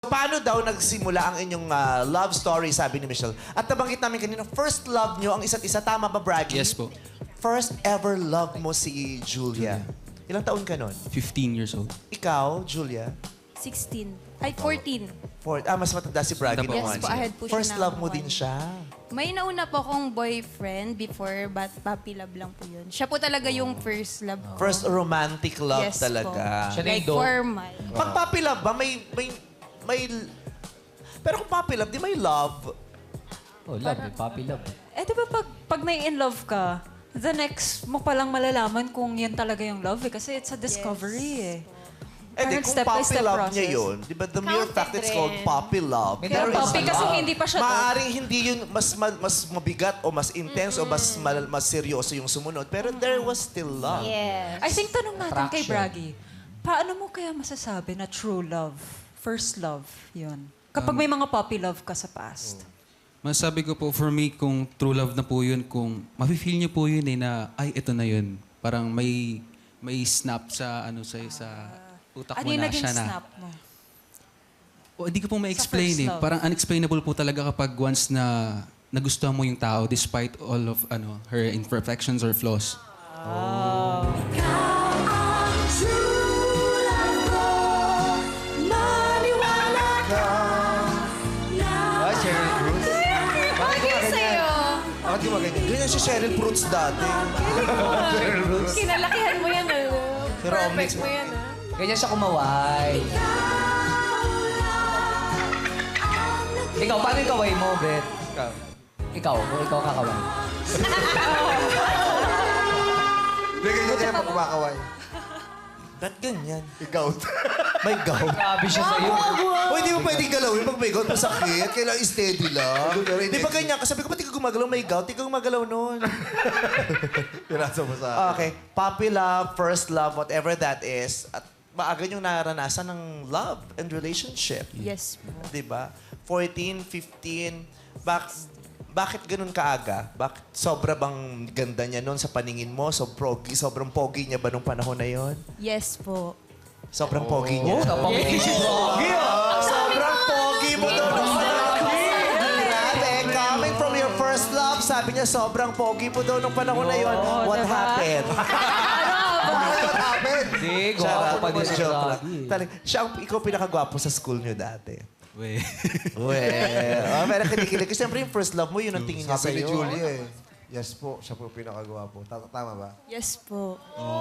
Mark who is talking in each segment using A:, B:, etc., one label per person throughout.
A: Paano daw nagsimula ang inyong love story, sabi ni Michelle? At nabanggit namin kanina, first love nyo ang isa't isa. Tama ba, Braggy?
B: Yes po.
A: First ever love mo si Julia. Ilang taon ka nun?
B: 15 years old.
A: Ikaw, Julia?
C: 16. Ay, 14.
A: Mas matanda si Braggy
B: Yes
A: naman.
C: po, ahead po siya
A: First
C: ng
A: love mo
C: 1
A: din siya.
C: May nauna po akong boyfriend before, but puppy love lang po yun. Siya po talaga yung first love ko.
A: First romantic love
C: Yes
A: talaga.
C: po. Like formal.
A: Pag puppy love ba, may... Pero kung puppy love, di may love.
D: Oh, love, puppy love.
E: Eh, di ba pag may in love ka, the next mo palang malalaman kung yan talaga yung love eh. Kasi it's a discovery eh.
A: Eh di,
E: Parang
A: kung
E: step-by-step
A: puppy love
E: process.
A: niya yun, di ba, the mere fact it's called puppy love.
E: Kaya
A: there is
E: puppy kasi
A: love.
E: hindi pa siya
A: Maaaring hindi yun mas mabigat o mas intense o mas seryoso yung sumunod. Pero there was still love.
C: Yes.
E: I think tanong natin kay
D: Attraction.
E: Braggy, paano mo kaya masasabi na true love, first love, yun? Kapag may mga puppy love ka sa past.
B: Masabi ko po, for me, kung true love na po yun, kung mafe-feel niyo po yun na, ay, ito na yun. Parang may snap sa, sa utak
E: Ano
B: mo
E: yung
B: na
E: naging
B: siya na.
E: snap mo?
B: O, hindi ko po ma-explain
E: first
B: eh.
E: love.
B: Parang unexplainable po talaga kapag once na nagustuhan mo yung tao despite all of her imperfections or flaws.
D: Ah, Cheryl Cruz.
C: Bakit sa'yo?
A: Bakit gumaganyan? Ganyan si Cheryl Fruits dati.
D: Cheryl Cruz.
C: Kinalakihan mo yan,
A: Pero
C: Perfect mo yan,
D: Ganyan siya kumaway. Ikaw, paano yung kaway mo, Bet? Ikaw, kung ikaw kakaway.
F: Hindi ganyan niya pag kumakaway.
A: Ba't ganyan?
F: Ikaw.
A: May gout.
D: Grabe siya sa'yo.
A: O, hindi mo pwedeng galawin pag may gout, masakit. Kailangan steady lang. Di ba ganyan? Kasi sabi ko, ba't ikaw gumagalaw? May gout, ikaw gumagalaw nun.
F: Pinasa mo sa
A: Okay. Puppy love, first love, whatever that is. At maaga yung naranasan ng love and relationship.
C: Yes po.
A: Di ba? 14, 15, bakit ganun kaaga? Bakit sobra bang ganda niya noon sa paningin mo? Sobrang pogi niya ba nung panahon na yon?
C: Yes po.
A: Sobrang pogi niya.
D: Napangiti si Broggy,
A: Sobrang pogi mo daw nung panahon. Grabe, coming from your first love, sabi niya sobrang pogi mo daw nung panahon na yon. What happened?
F: What happened?
D: Hindi, gwapo pa din si
A: Joke lang.
D: Broggy.
A: Ikaw pinakagwapo sa school niyo dati.
B: We.
A: Pero kinikilig. Kasi siyempre yung first love mo, yun ang tingin niya
F: Sabi ni
A: sa'yo.
F: Julia eh. Yes po, siya po pinakagawa po. Tama ba?
C: Yes po.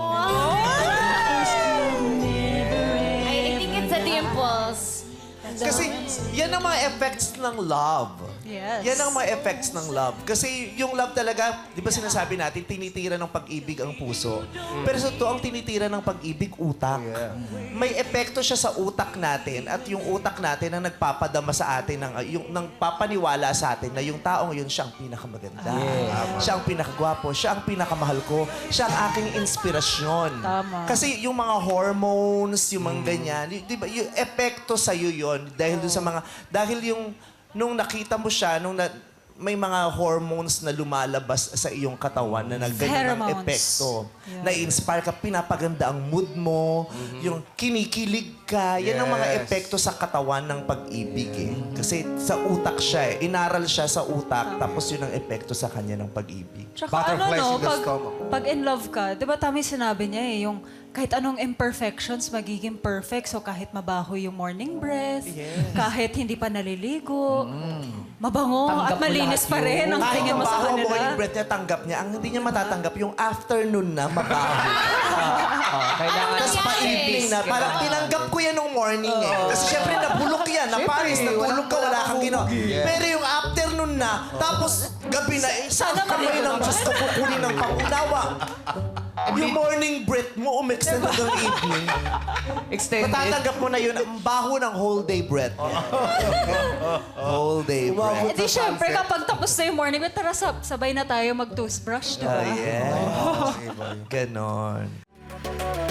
G: I think it's the dimples.
A: Kasi yan ang mga effects ng love.
E: Yes.
A: Yan ang mga effects ng love. Kasi yung love talaga, di ba sinasabi natin, tinitira ng pag-ibig ang puso. Pero sa to, ang tinitira ng pag-ibig, utak. May epekto siya sa utak natin at yung utak natin ang nagpapadama sa atin, yung papaniwala sa atin na yung taong yun, siya ang pinakamaganda. Siya ang pinakagwapo, siya ang pinakamahal ko, siya ang aking inspirasyon.
E: Tama.
A: Kasi yung mga hormones, yung mga ganyan, di ba, yung epekto sa'yo yun dahil dun sa mga, dahil yung nung nakita mo siya, may mga hormones na lumalabas sa iyong katawan na nagganyan ng
E: Pheromones.
A: epekto.
E: Yeah.
A: Na-inspire ka, pinapaganda ang mood mo, yung kinikilig ka. Yan ang mga
F: Yes.
A: epekto sa katawan ng pag-ibig eh. Kasi sa utak siya eh. Inaral siya sa utak, tapos yun ang epekto sa kanya ng pag-ibig.
E: Tsaka
F: Butterflies in the
E: pag,
F: stomach.
E: pag in love ka, di ba tama yung sinabi niya eh, yung kahit anong imperfections magiging perfect. So kahit mabaho yung morning breath, kahit hindi pa naliligo, mabango
D: Tanggap
E: at
D: mo
E: malinis
D: lahat
E: pa rin ang
A: Kahit
E: tingin
A: ang
E: mo sa
A: baho ang morning
E: kanila.
A: breath niya, tanggap niya. Ang hindi niya matatanggap, yung afternoon na mabaho.
D: Kailangan
A: Tapos pa-evening na. Parang tinanggap ko yan nung morning eh. Kasi syempre nabulok yan. Na Paris, nagulog ka, wala kang ginawa. Pero yung afternoon na, tapos gabi na, sana kamay ng Diyos ko kukunin ng pangunawa. Yung morning breath mo, umextend hanggang evening.
D: extended.
A: Matatanggap mo na yun, ang baho ng whole day breath. Whole day breath.
E: Eh di syempre kapag tapos na yung morning, tara sabay na tayo mag-toothbrush, di ba?
A: Oh, yeah. Ganon.